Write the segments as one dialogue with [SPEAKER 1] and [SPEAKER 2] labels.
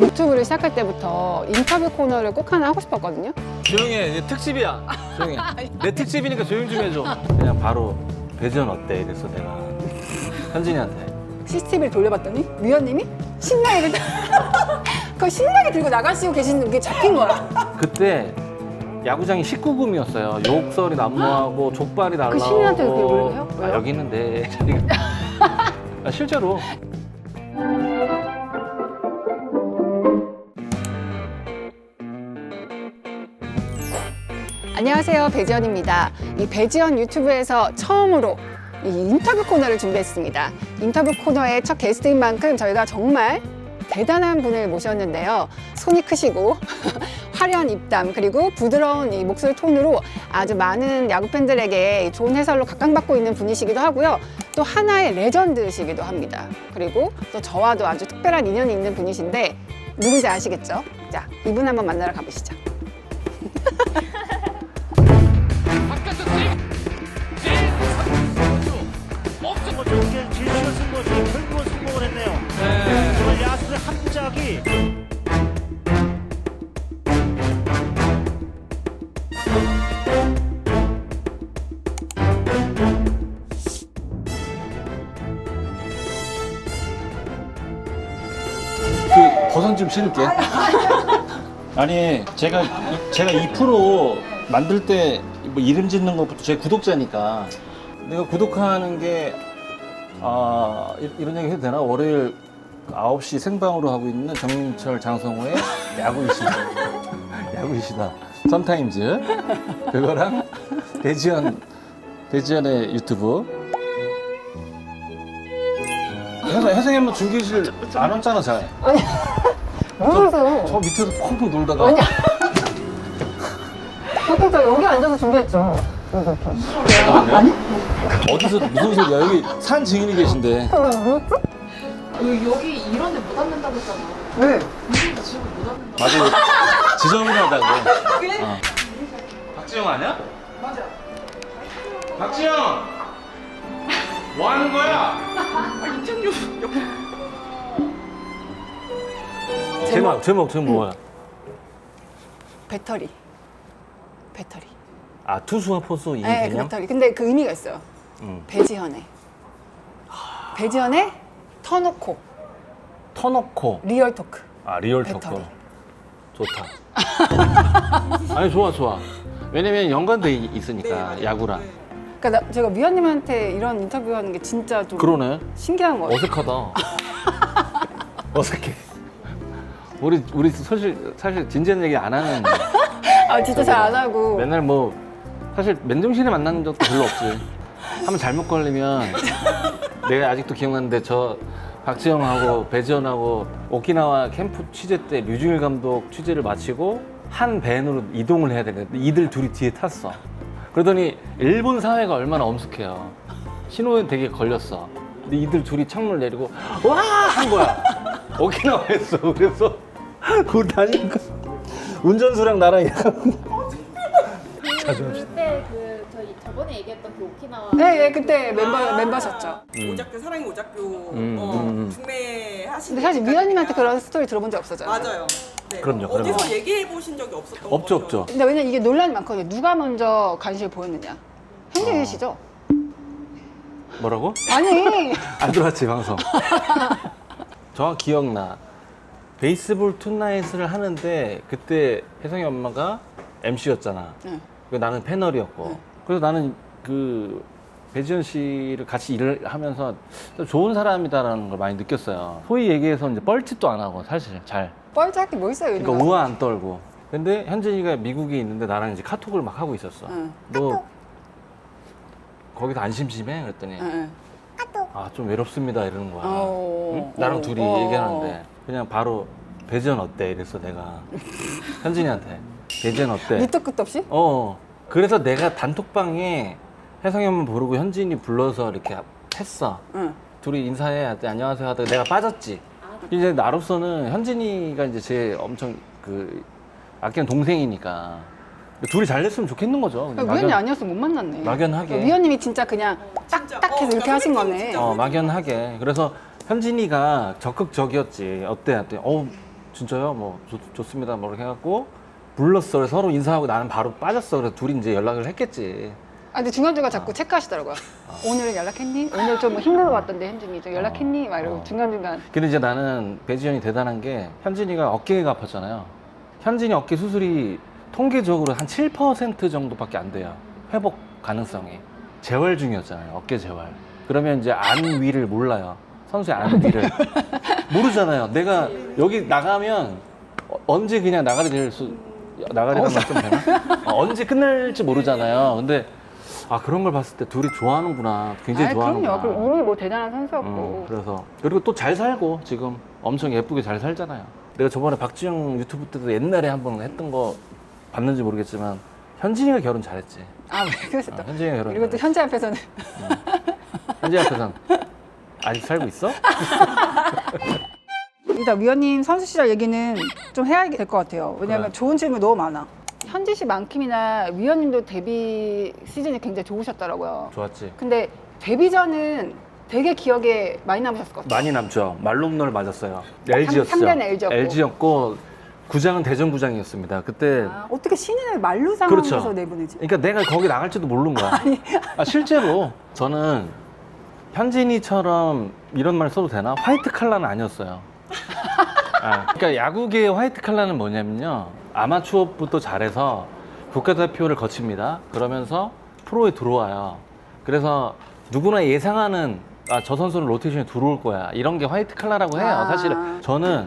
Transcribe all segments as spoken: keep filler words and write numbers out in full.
[SPEAKER 1] 유튜브를 시작할 때부터 인터뷰 코너를 꼭 하나 하고 싶었거든요.
[SPEAKER 2] 조용히 해. 이제 특집이야. 조용히 해. 내 특집이니까 조용 좀 해줘. 그냥 바로 배지연 어때? 이랬어 내가 현진이한테.
[SPEAKER 1] 씨씨티비를 돌려봤더니 위원님이 신나게 그 신나게 들고 나가시고 계시는 게 잡힌 거야.
[SPEAKER 2] 그때 야구장이 십구 금이었어요. 욕설이 난무하고 족발이 날라오고.
[SPEAKER 1] 그 시민한테 그렇게 욕을 해요?
[SPEAKER 2] 아,
[SPEAKER 1] 왜요?
[SPEAKER 2] 여기 있는데. 아, 실제로.
[SPEAKER 1] 안녕하세요, 배지연입니다. 이 배지연 유튜브에서 처음으로 이 인터뷰 코너를 준비했습니다. 인터뷰 코너의 첫 게스트인 만큼 저희가 정말 대단한 분을 모셨는데요. 손이 크시고 화려한 입담 그리고 부드러운 이 목소리 톤으로 아주 많은 야구 팬들에게 좋은 해설로 각광받고 있는 분이시기도 하고요. 또 하나의 레전드시기도 합니다. 그리고 또 저와도 아주 특별한 인연이 있는 분이신데 누군지 아시겠죠? 자, 이분 한번 만나러 가보시죠.
[SPEAKER 3] 경기를 질주가 승부했어요. 결국은 성공을 했네요. 네. 정말 야수의 한 짝이
[SPEAKER 2] 그 버선 좀 신을게.
[SPEAKER 4] 아니 제가 이- 제가 이 프로 만들 때 뭐 이름 짓는 것부터 제 구독자니까 내가 구독하는 게 아, 이- 이런 얘기 해도 되나? 월요일 아홉 시 생방으로 하고 있는 정민철 장성호의 야구 이시다. 야구 이시다. 썬타임즈 그거랑 배지연 배지연의 유튜브. 혜성 혜성이 한번 중계실 안 왔잖아 잘.
[SPEAKER 1] 왜 그러세요?
[SPEAKER 4] 저 밑에서 펑펑 놀다가.
[SPEAKER 1] 아니야. 보통 저 여기 앉아서 준비했죠.
[SPEAKER 4] 아니? 어디서 무슨 소리야? 여기 산 증인이 계신데.
[SPEAKER 5] 여기 이런 데 못 앉는다고 했잖아.
[SPEAKER 1] 왜?
[SPEAKER 4] 맞아. 지저분하다고. 어.
[SPEAKER 2] 박지영 아니야? 맞아. 박지영! 뭐 하는 거야?
[SPEAKER 4] 제목 제목 제목 뭐야?
[SPEAKER 1] 배터리. 배터리.
[SPEAKER 4] 아 투수와 포수 이
[SPEAKER 1] 네, 그
[SPEAKER 4] 개념?
[SPEAKER 1] 배터리. 근데 그 의미가 있어요.
[SPEAKER 4] 음.
[SPEAKER 1] 배지현의. 배지현의 터놓고
[SPEAKER 4] 터놓고.
[SPEAKER 1] 리얼 토크.
[SPEAKER 4] 아 리얼
[SPEAKER 1] 배터리.
[SPEAKER 4] 토크. 좋다. 아니 좋아 좋아. 왜냐면 연관돼 있- 있으니까 야구랑.
[SPEAKER 1] 그러니까 나, 제가 위원님한테 이런 인터뷰하는 게 진짜 좀
[SPEAKER 4] 그러네.
[SPEAKER 1] 신기한 거예요.
[SPEAKER 4] 어색하다. 어색해. 우리 우리 사실 사실 진지한 얘기 안 하는.
[SPEAKER 1] 아 진짜 잘 안 하고.
[SPEAKER 4] 맨날 뭐 사실 맨정신에 만나는 적도 별로 없지. 한번 잘못 걸리면 내가 아직도 기억나는데 저 박지영하고 배지연하고 오키나와 캠프 취재 때 류중일 감독 취재를 마치고 한 밴으로 이동을 해야 되는데 이들 둘이 뒤에 탔어. 그러더니 일본 사회가 얼마나 엄숙해요. 신호에 되게 걸렸어. 근데 이들 둘이 창문을 내리고 와! 한 거야. 오키나와에서. 그래서 그걸 다니니까 운전수랑 나랑 이러고 자주 합시다.
[SPEAKER 5] 그때 그 저희 저번에 얘기했던 그 오키나와
[SPEAKER 1] 네, 네 그때 멤버
[SPEAKER 6] 아.
[SPEAKER 1] 멤버셨죠.
[SPEAKER 6] 오작교 사랑의 오작교
[SPEAKER 4] 음,
[SPEAKER 6] 어,
[SPEAKER 4] 음, 음.
[SPEAKER 6] 중매 하신
[SPEAKER 1] 근데 사실 위원님한테 그런 스토리 들어본 적 없었잖아요.
[SPEAKER 6] 맞아요. 네.
[SPEAKER 4] 그럼요,
[SPEAKER 6] 어디서
[SPEAKER 4] 그럼요.
[SPEAKER 6] 얘기해 보신 적이 없었던
[SPEAKER 4] 없죠,
[SPEAKER 6] 거죠.
[SPEAKER 4] 없죠.
[SPEAKER 1] 근데 왜냐면 이게 논란이 많거든요. 누가 먼저 관심을 보였느냐. 현진이시죠?
[SPEAKER 4] 뭐라고?
[SPEAKER 1] 아니.
[SPEAKER 4] 안 들어왔지 방송. 정확히 기억나. 베이스볼 투나잇을 하는데 그때 혜성이 엄마가 엠씨였잖아.
[SPEAKER 1] 응.
[SPEAKER 4] 나는 패널이었고.
[SPEAKER 1] 응.
[SPEAKER 4] 그래서 나는 그 배지연 씨를 같이 일을 하면서 좋은 사람이다라는 걸 많이 느꼈어요. 소위 얘기해서 이제 뻘짓도 안 하고 사실 잘.
[SPEAKER 1] 뻘짝할 게 뭐 있어요,
[SPEAKER 4] 그러니까
[SPEAKER 1] 요즘
[SPEAKER 4] 우아 안 떨고. 근데 현진이가 미국에 있는데 나랑 이제 카톡을 막 하고 있었어.
[SPEAKER 1] 응.
[SPEAKER 4] 너 거기서 안 심심해? 그랬더니
[SPEAKER 1] 응, 응.
[SPEAKER 4] 아 좀 외롭습니다 이러는 거야.
[SPEAKER 1] 어,
[SPEAKER 4] 응? 나랑
[SPEAKER 1] 어,
[SPEAKER 4] 둘이
[SPEAKER 1] 어.
[SPEAKER 4] 얘기하는데 그냥 바로 배지연 어때? 이랬어 내가 현진이한테 배지연 어때?
[SPEAKER 1] 밑도 끝도 없이?
[SPEAKER 4] 어 그래서 내가 단톡방에 혜성이 엄마 부르고 현진이 불러서 이렇게 했어.
[SPEAKER 1] 응.
[SPEAKER 4] 둘이 인사해 하더니 안녕하세요 하다가 내가 빠졌지. 이제 나로서는 현진이가 이제 제 엄청 그 아끼는 동생이니까 둘이 잘 됐으면 좋겠는 거죠.
[SPEAKER 1] 그러니까 위원님
[SPEAKER 4] 막연-
[SPEAKER 1] 아니었으면 못 만났네.
[SPEAKER 4] 막연하게.
[SPEAKER 1] 그러니까 위원님이 진짜 그냥
[SPEAKER 6] 진짜.
[SPEAKER 1] 딱딱해서
[SPEAKER 6] 어,
[SPEAKER 1] 이렇게
[SPEAKER 6] 그러니까
[SPEAKER 1] 하신
[SPEAKER 6] 선생님
[SPEAKER 1] 거네.
[SPEAKER 6] 진짜.
[SPEAKER 4] 어 막연하게. 그래서 현진이가 적극적이었지. 어때? 했더니 어 진짜요? 뭐 좋, 좋습니다. 뭐 이렇게 해갖고 불렀어. 그래서 서로 인사하고 나는 바로 빠졌어. 그래서 둘이 이제 연락을 했겠지.
[SPEAKER 1] 아, 근데 중간중간 자꾸 체크하시더라고요. 오늘은 연락했니? 오늘 좀 힘든 것 같던데, 현진이. 좀 연락했니? 막 이러고
[SPEAKER 4] 어.
[SPEAKER 1] 중간중간.
[SPEAKER 4] 근데 이제 나는 배지현이 대단한 게 현진이가 어깨가 아팠잖아요. 현진이 어깨 수술이 통계적으로 한 칠 퍼센트 정도밖에 안 돼요. 회복 가능성이. 재활 중이었잖아요. 어깨 재활. 그러면 이제 안 위를 몰라요. 선수의 안 위를. 모르잖아요. 내가 여기 나가면 어, 언제 그냥 나가게 될 수, 나가리라는 말좀 되나? 어, 언제 끝날지 모르잖아요. 근데 아 그런 걸 봤을 때 둘이 좋아하는구나. 굉장히
[SPEAKER 1] 아이,
[SPEAKER 4] 좋아하는구나.
[SPEAKER 1] 그럼요. 그럼 운이 뭐 대단한 선수였고.
[SPEAKER 4] 음, 그래서 그리고 또 잘 살고 지금 엄청 예쁘게 잘 살잖아요. 내가 저번에 박지영 유튜브 때도 옛날에 한번 했던 거 봤는지 모르겠지만 현진이가 결혼 잘했지.
[SPEAKER 1] 아, 왜 그랬어 또.
[SPEAKER 4] 어, 현진이가 결혼.
[SPEAKER 1] 그리고 또 현재 앞에서는.
[SPEAKER 4] 현진이 앞에선 아직 살고 있어?
[SPEAKER 7] 일단 위원님 선수 시절 얘기는 좀 해야 될 것 같아요. 왜냐하면
[SPEAKER 4] 그래.
[SPEAKER 7] 좋은 질문 너무 많아.
[SPEAKER 1] 현지 씨만큼이나 위원님도 데뷔 시즌이 굉장히 좋으셨더라고요.
[SPEAKER 4] 좋았지.
[SPEAKER 1] 근데 데뷔 전은 되게 기억에 많이 남으셨을 것 같아요.
[SPEAKER 4] 많이 남죠. 말롬널 맞았어요. 엘지였죠.
[SPEAKER 1] 삼 대는 엘지였고.
[SPEAKER 4] 엘지였고 구장은 대전구장이었습니다. 그때
[SPEAKER 7] 아, 어떻게 신인을 만루 상황에서
[SPEAKER 4] 그렇죠.
[SPEAKER 7] 내보내지?
[SPEAKER 4] 그러니까 내가 거기 나갈지도 모르는 거야. 아, 실제로 저는 현진이처럼 이런 말 써도 되나? 화이트 칼라는 아니었어요. 아, 그러니까 야구계의 화이트 칼라는 뭐냐면요. 아마추어부터 잘해서 국가대표를 거칩니다. 그러면서 프로에 들어와요. 그래서 누구나 예상하는 아, 저 선수는 로테이션에 들어올 거야. 이런 게 화이트 칼라라고 해요.
[SPEAKER 7] 아.
[SPEAKER 4] 사실은 저는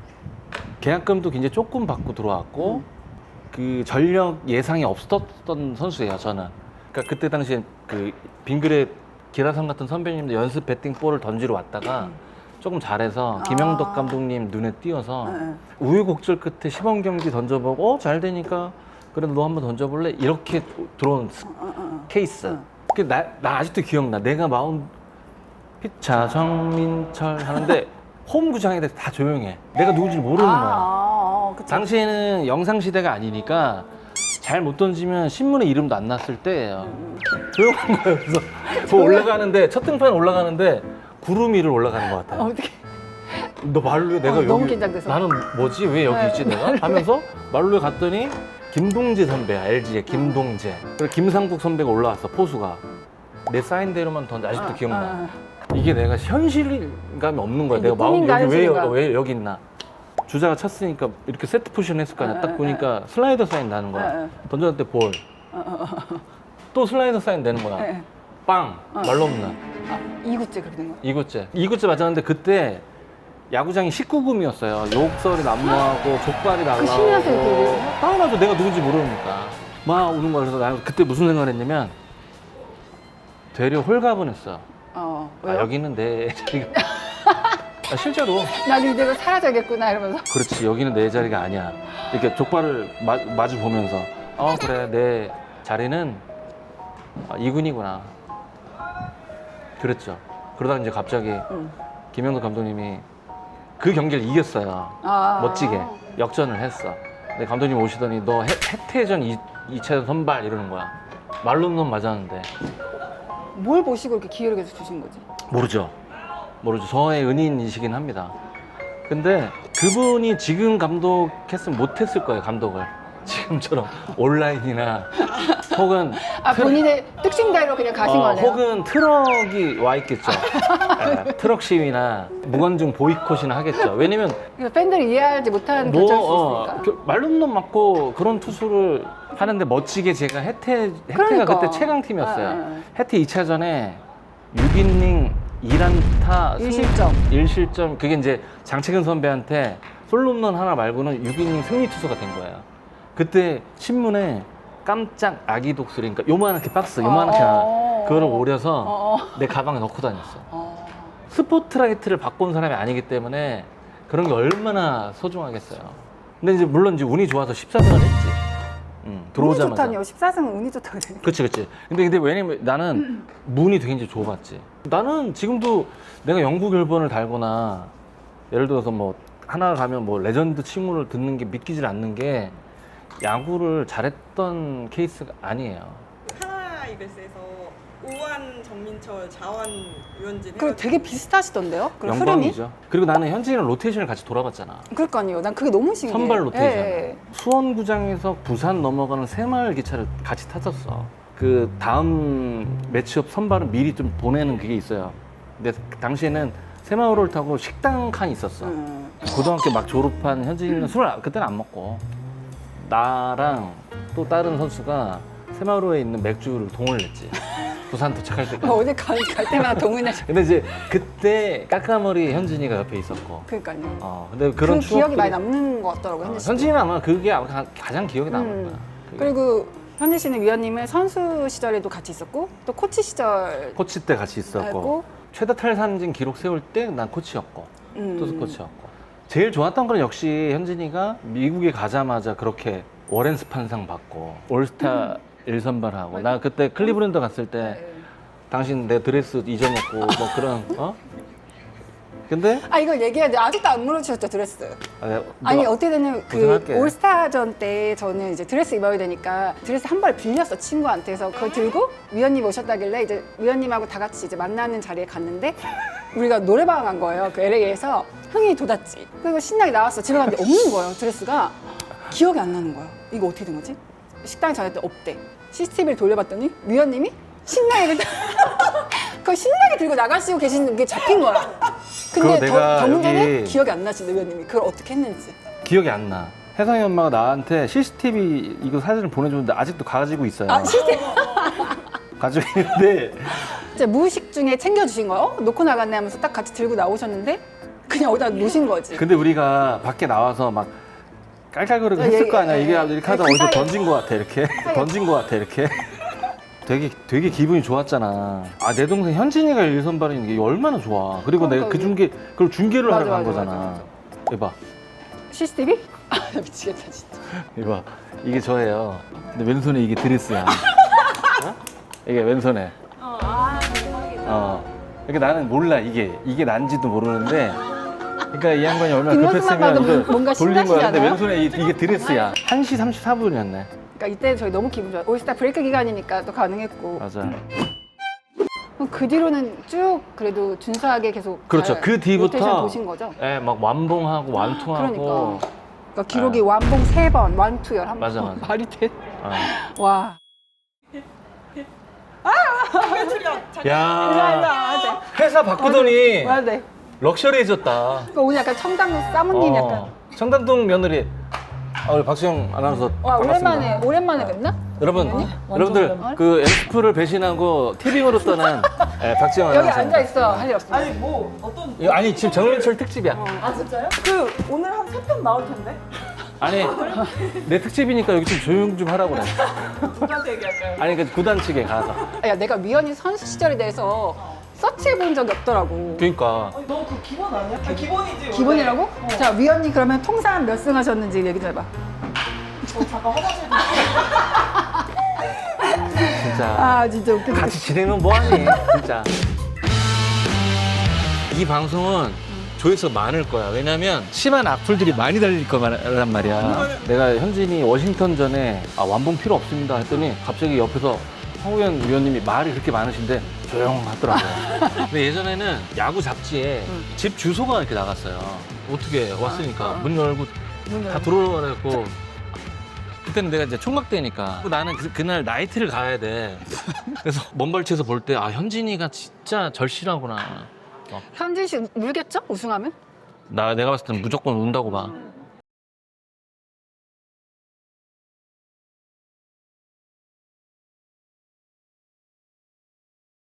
[SPEAKER 4] 계약금도 굉장히 조금 받고 들어왔고 그 전력 예상이 없었던 선수예요. 저는. 그러니까 그때 당시에 그 빙그레 기라성 같은 선배님들 연습 배팅 볼을 던지러 왔다가 조금 잘해서 김영덕
[SPEAKER 7] 아.
[SPEAKER 4] 감독님 눈에 띄어서
[SPEAKER 7] 네.
[SPEAKER 4] 우여곡절 끝에 시범 경기 던져보고 어, 잘 되니까 그래 너 한번 던져볼래? 이렇게 들어온 스-
[SPEAKER 7] 어, 어, 어.
[SPEAKER 4] 케이스.
[SPEAKER 7] 어.
[SPEAKER 4] 그 나, 나 아직도 기억나. 내가 마운 피차 정민철 하는데 홈 구장에 대해서 다 조용해. 내가 누군지 모르는
[SPEAKER 7] 아,
[SPEAKER 4] 거야.
[SPEAKER 7] 아, 아, 그쵸.
[SPEAKER 4] 당시에는 영상 시대가 아니니까 잘 못 던지면 신문에 이름도 안 났을 때예요. 조용한 거예요. 그래서 저 올라가는데 첫 등판 올라가는데 구름 위를 올라가는 것 같아요.
[SPEAKER 1] 어떻게?
[SPEAKER 4] 너 말로에 내가
[SPEAKER 1] 어,
[SPEAKER 4] 여기
[SPEAKER 1] 너무 긴장돼서.
[SPEAKER 4] 나는 뭐지 왜 여기
[SPEAKER 1] 네,
[SPEAKER 4] 있지 내가 하면서 말로에 갔더니 김동재 선배야 엘지의 김동재. 그리고 김상국 선배가 올라왔어 포수가 내 사인대로만 던져 아직도 기억나.
[SPEAKER 1] 아,
[SPEAKER 4] 이게 내가 현실감이 없는 거야.
[SPEAKER 1] 이게
[SPEAKER 4] 내가 마음
[SPEAKER 1] 꿈인가,
[SPEAKER 4] 여기 왜,
[SPEAKER 1] 현실인가?
[SPEAKER 4] 왜 여기 있나. 주자가 쳤으니까 이렇게 세트 포지션 했을 거 아니야. 딱 보니까 슬라이더 사인 나는 거야.
[SPEAKER 7] 네, 네.
[SPEAKER 4] 던졌을 때 볼. 또 슬라이더 사인 되는 거야.
[SPEAKER 7] 네.
[SPEAKER 4] 빵. 말로 없나.
[SPEAKER 7] 아, 이 구째 그렇게 된 거야?
[SPEAKER 4] 이구째. 이구째 맞았는데 그때 야구장이 십구 금이었어요. 욕설이 난무하고 족발이 날라오고.
[SPEAKER 1] 신이한테 이렇게 얘기해요?
[SPEAKER 4] 당연하죠. 내가 누군지 모르니까. 막 우는 거야. 그래서 나 그때 무슨 생각을 했냐면 되려 홀가분했어.
[SPEAKER 7] 어,
[SPEAKER 4] 아,
[SPEAKER 7] 왜요?
[SPEAKER 4] 여기는 내 자리가. 아, 실제로.
[SPEAKER 1] 나도 이대로 사라져야겠구나 이러면서.
[SPEAKER 4] 그렇지. 여기는 내 자리가 아니야. 이렇게 족발을 마, 마주 보면서 어 그래 내 자리는 아, 이군이구나. 그랬죠. 그러다가 이제 갑자기
[SPEAKER 7] 응.
[SPEAKER 4] 김영덕 감독님이 그 경기를 이겼어요.
[SPEAKER 7] 아.
[SPEAKER 4] 멋지게 역전을 했어. 근데 감독님 오시더니 너 해, 해태전 이 차전 선발 이러는 거야. 말로는 맞았는데
[SPEAKER 7] 뭘 보시고 이렇게 기회를 계속 주신 거지?
[SPEAKER 4] 모르죠. 모르죠. 저의 은인이시긴 합니다. 근데 그분이 지금 감독했으면 못했을 거예요. 감독을. 지금처럼 온라인이나 혹은
[SPEAKER 1] 아,
[SPEAKER 4] 트럭-
[SPEAKER 1] 본인의 특징대로 그냥 가신
[SPEAKER 4] 어,
[SPEAKER 1] 거네요.
[SPEAKER 4] 혹은 트럭이 와 있겠죠. 예, 트럭 시위나 무관중 보이콧이나 하겠죠. 왜냐면
[SPEAKER 1] 그래서 팬들이 이해하지 못하는 결정일 수 있으니까.
[SPEAKER 4] 어, 그 말룸놈 맞고 그런 투수를 하는데 멋지게 제가 혜태, 혜태가
[SPEAKER 7] 그러니까.
[SPEAKER 4] 그때 최강팀이었어요.
[SPEAKER 7] 아, 아, 아.
[SPEAKER 4] 혜태 이 차전에 육 이닝 일 안타
[SPEAKER 7] 일 실점.
[SPEAKER 4] 일 실점 그게 이제 장채근 선배한테 솔로홈런 하나 말고는 육 이닝 승리 투수가 된 거예요. 그때 신문에 깜짝 아기 독수리 그러니까 요만하게 박스 요만하게
[SPEAKER 7] 어,
[SPEAKER 4] 하나
[SPEAKER 7] 어,
[SPEAKER 4] 그거를
[SPEAKER 7] 어.
[SPEAKER 4] 오려서
[SPEAKER 7] 어, 어.
[SPEAKER 4] 내 가방에 넣고 다녔어.
[SPEAKER 7] 어.
[SPEAKER 4] 스포트라이트를 바꾼 사람이 아니기 때문에 그런 게 얼마나 소중하겠어요. 근데 이제 물론 이제 운이 좋아서 십사 승을 했지. 응,
[SPEAKER 7] 운이
[SPEAKER 4] 들어오자마자.
[SPEAKER 7] 좋다니요. 십사 승은 운이 좋다고 그래.
[SPEAKER 4] 그치, 그치. 근데, 근데 왜냐면 나는 문이 굉장히 좁았지. 나는 지금도 내가 영구 결번을 달거나 예를 들어서 뭐 하나 가면 뭐 레전드 칭호를 듣는 게 믿기질 않는 게 야구를 잘했던 케이스가 아니에요.
[SPEAKER 6] 하나 이글스에서 우한 정민철, 자완 유현진.
[SPEAKER 1] 그리고 되게 비슷하시던데요? 그런 흐름이?
[SPEAKER 4] 영광이죠. 그리고 나는 현진이랑 로테이션을 같이 돌아봤잖아.
[SPEAKER 1] 그러니까요. 난 그게 너무 신기해.
[SPEAKER 4] 선발 로테이션.
[SPEAKER 1] 예.
[SPEAKER 4] 수원구장에서 부산 넘어가는 새마을 기차를 같이 탔었어. 그 다음 매치업 선발은 미리 좀 보내는 그게 있어요. 근데 당시에는 새마을을 타고 식당 칸이 있었어.
[SPEAKER 1] 음.
[SPEAKER 4] 고등학교 막 졸업한 현진이는 술을 아- 그때는 안 먹고 나랑 또 다른 선수가 새마을호에 있는 맥주를 동을 냈지. 부산 도착할 때까지.
[SPEAKER 1] 어디 갈, 갈 때마다 동은해.
[SPEAKER 4] 근데 이제 그때 까까머리 현진이가 옆에 있었고.
[SPEAKER 1] 그러니까요.
[SPEAKER 4] 어, 근데 그런
[SPEAKER 1] 그 기억이
[SPEAKER 4] 추억들이-
[SPEAKER 1] 많이 남는 것 같더라고요.
[SPEAKER 4] 어,
[SPEAKER 1] 현지 씨.
[SPEAKER 4] 현진이는 아마 그게 아마 가- 가장 기억에 남을
[SPEAKER 1] 음.
[SPEAKER 4] 거야. 그게.
[SPEAKER 1] 그리고 현지 씨는 위원님은 선수 시절에도 같이 있었고 또 코치 시절
[SPEAKER 4] 코치 때 같이 있었고
[SPEAKER 1] 알고
[SPEAKER 4] 최다 탈산진 기록 세울 때 난 코치였고
[SPEAKER 1] 음.
[SPEAKER 4] 투수 코치였고 제일 좋았던 건 역시 현진이가 미국에 가자마자 그렇게 워렌스 판상 받고 올스타 일 선발하고 나 그때 클리브랜드 갔을 때
[SPEAKER 1] 네.
[SPEAKER 4] 당신 내 드레스 잊어먹고 뭐 그런 어? 근데
[SPEAKER 1] 아 이거 얘기해야 돼. 아직도 안 물어주셨죠 드레스.
[SPEAKER 4] 아, 내가-
[SPEAKER 1] 아니
[SPEAKER 4] 내가
[SPEAKER 1] 어떻게 되냐면 그
[SPEAKER 4] 고생할게.
[SPEAKER 1] 올스타전 때 저는 이제 드레스 입어야 되니까 드레스 한 벌 빌렸어 친구한테서 그걸 들고 위원님 오셨다길래 이제 위원님하고 다 같이 이제 만나는 자리에 갔는데 우리가 노래방 간 거예요. 그 엘에이에서 흥이 돋았지. 그리고 신나게 나왔어. 집에 갔는데 없는 거예요. 드레스가 기억이 안 나는 거예요. 이거 어떻게 된 거지? 식당에 전화했더니 없대. 씨씨티비를 돌려봤더니 위원님이 신나게 그걸 신나게 들고 나가시고 계시는 게 잡힌 거야. 근데
[SPEAKER 4] 그거
[SPEAKER 1] 더,
[SPEAKER 4] 내가
[SPEAKER 1] 더 문제는
[SPEAKER 4] 여기-
[SPEAKER 1] 기억이 안 나지 위원님이 그걸 어떻게 했는지.
[SPEAKER 4] 기억이 안 나. 혜성이 엄마가 나한테 씨씨티비 이거 사진을 보내줬는데 아직도 가지고 있어요.
[SPEAKER 1] 아 씨씨티비
[SPEAKER 4] 가지고 있는데
[SPEAKER 1] 진짜 무의식 중에 챙겨주신 거예요. 어? 놓고 나갔네 하면서 딱 같이 들고 나오셨는데 그냥 어디다 놓으신 거지.
[SPEAKER 4] 근데 우리가 밖에 나와서 막 깔깔거리고
[SPEAKER 1] 예,
[SPEAKER 4] 했을 거
[SPEAKER 1] 예,
[SPEAKER 4] 아니야.
[SPEAKER 1] 예,
[SPEAKER 4] 이게
[SPEAKER 1] 예.
[SPEAKER 4] 이렇게 하다
[SPEAKER 1] 그
[SPEAKER 4] 어디서
[SPEAKER 1] 사이에-
[SPEAKER 4] 던진 거 같아 이렇게 던진 거 같아 이렇게 되게 되게 기분이 좋았잖아. 아 내 동생 현진이가 일 선발인 게 얼마나 좋아. 그리고 내가 그
[SPEAKER 1] 그러니까
[SPEAKER 4] 중계 그걸 중계를
[SPEAKER 1] 맞아,
[SPEAKER 4] 하러 간
[SPEAKER 1] 맞아,
[SPEAKER 4] 거잖아.
[SPEAKER 1] 맞아, 맞아.
[SPEAKER 4] 이봐
[SPEAKER 1] 씨씨티비? 아 나 미치겠다 진짜.
[SPEAKER 4] 이봐 이게 저예요. 근데 왼손에 이게 드레스야. 어? 이게 왼손에. 어. 그러니까 나는 몰라 이게 이게 난지도 모르는데. 그러니까 이 양반이 얼마나
[SPEAKER 1] 뒷모습만 봐도
[SPEAKER 4] 급했으면
[SPEAKER 1] 뭔가
[SPEAKER 4] 이거 돌린 거야. 근데
[SPEAKER 1] 신나시잖아요?
[SPEAKER 4] 왼손에 이, 이게 드레스야. 한 시 삼십사 분이었네.
[SPEAKER 1] 그러니까 이때 저희 너무 기분 좋아요. 올스타 브레이크 기간이니까 또 가능했고.
[SPEAKER 4] 맞아.
[SPEAKER 1] 그럼 그 뒤로는 쭉 그래도 준수하게 계속
[SPEAKER 4] 그렇죠.
[SPEAKER 1] 잘
[SPEAKER 4] 그 뒤부터
[SPEAKER 1] 로테이션 보신 거죠?
[SPEAKER 4] 예, 막 완봉하고 완투하고.
[SPEAKER 1] 그러니까. 그러니까 기록이 완봉 세 번, 완투열 한 번.
[SPEAKER 4] 맞아, 맞아.
[SPEAKER 1] 말이 돼?
[SPEAKER 4] 어.
[SPEAKER 1] 와.
[SPEAKER 6] 출연.
[SPEAKER 4] 야,
[SPEAKER 1] 맞아, 맞아.
[SPEAKER 4] 회사 바꾸더니
[SPEAKER 1] 맞아.
[SPEAKER 4] 럭셔리해졌다.
[SPEAKER 1] 그러니까 오늘 약간 청담동 사모님 약간.
[SPEAKER 4] 어. 청담동 며느리. 아, 우리 박수영 아나운서
[SPEAKER 1] 와
[SPEAKER 4] 반갑습니다.
[SPEAKER 1] 오랜만에 오랜만에 뵙나?
[SPEAKER 4] 여러분,
[SPEAKER 1] 완전
[SPEAKER 4] 여러분들
[SPEAKER 1] 오랜만에.
[SPEAKER 4] 그 에스프를 배신하고 티빙으로 떠난 예, 박지영
[SPEAKER 1] 여기
[SPEAKER 4] 아나운서.
[SPEAKER 1] 앉아 있어 할 일 없어.
[SPEAKER 6] 아니 뭐 어떤
[SPEAKER 4] 이거 아니 지금 정민철 특집이야.
[SPEAKER 6] 아 진짜요? 그 오늘 한 세 편 나올 텐데
[SPEAKER 4] 아니 내 특집이니까 여기 좀 조용 좀 하라고 그래.
[SPEAKER 6] 누구한테 얘기할까요?
[SPEAKER 4] 아니 그 구단 측에 가서.
[SPEAKER 1] 야 내가 위원이 선수 시절에 대해서 서치해 본 적이 없더라고.
[SPEAKER 4] 그러니까
[SPEAKER 6] 아니 너 그 기본 아니야? 아, 기본이지 원래.
[SPEAKER 1] 기본이라고? 자 위원님 그러면 통산 몇 승 하셨는지 얘기 좀 해봐.
[SPEAKER 6] 저 잠깐 화장실 좀
[SPEAKER 4] 진짜.
[SPEAKER 1] 아 진짜 웃기다.
[SPEAKER 4] 같이 지내면 뭐하니 진짜. 이 방송은 조회수 많을 거야. 왜냐면 심한 악플들이 많이 달릴 거란 말이야. 내가 현진이 워싱턴전에 아, 완봉 필요 없습니다 했더니 갑자기 옆에서 황우현 위원님이 말이 그렇게 많으신데 조용하더라고요. 근데 예전에는 야구 잡지에 집 주소가 이렇게 나갔어요. 어떻게 왔으니까 문 열고 다 들어오라고. 그때는 내가 이제 총각대니까 나는 그, 그날 나이트를 가야 돼. 그래서 먼발치에서 볼 때 아 현진이가 진짜 절실하구나.
[SPEAKER 1] 현진 씨 울겠죠? 우승하면?
[SPEAKER 4] 나 내가 봤을 땐 무조건 운다고 봐.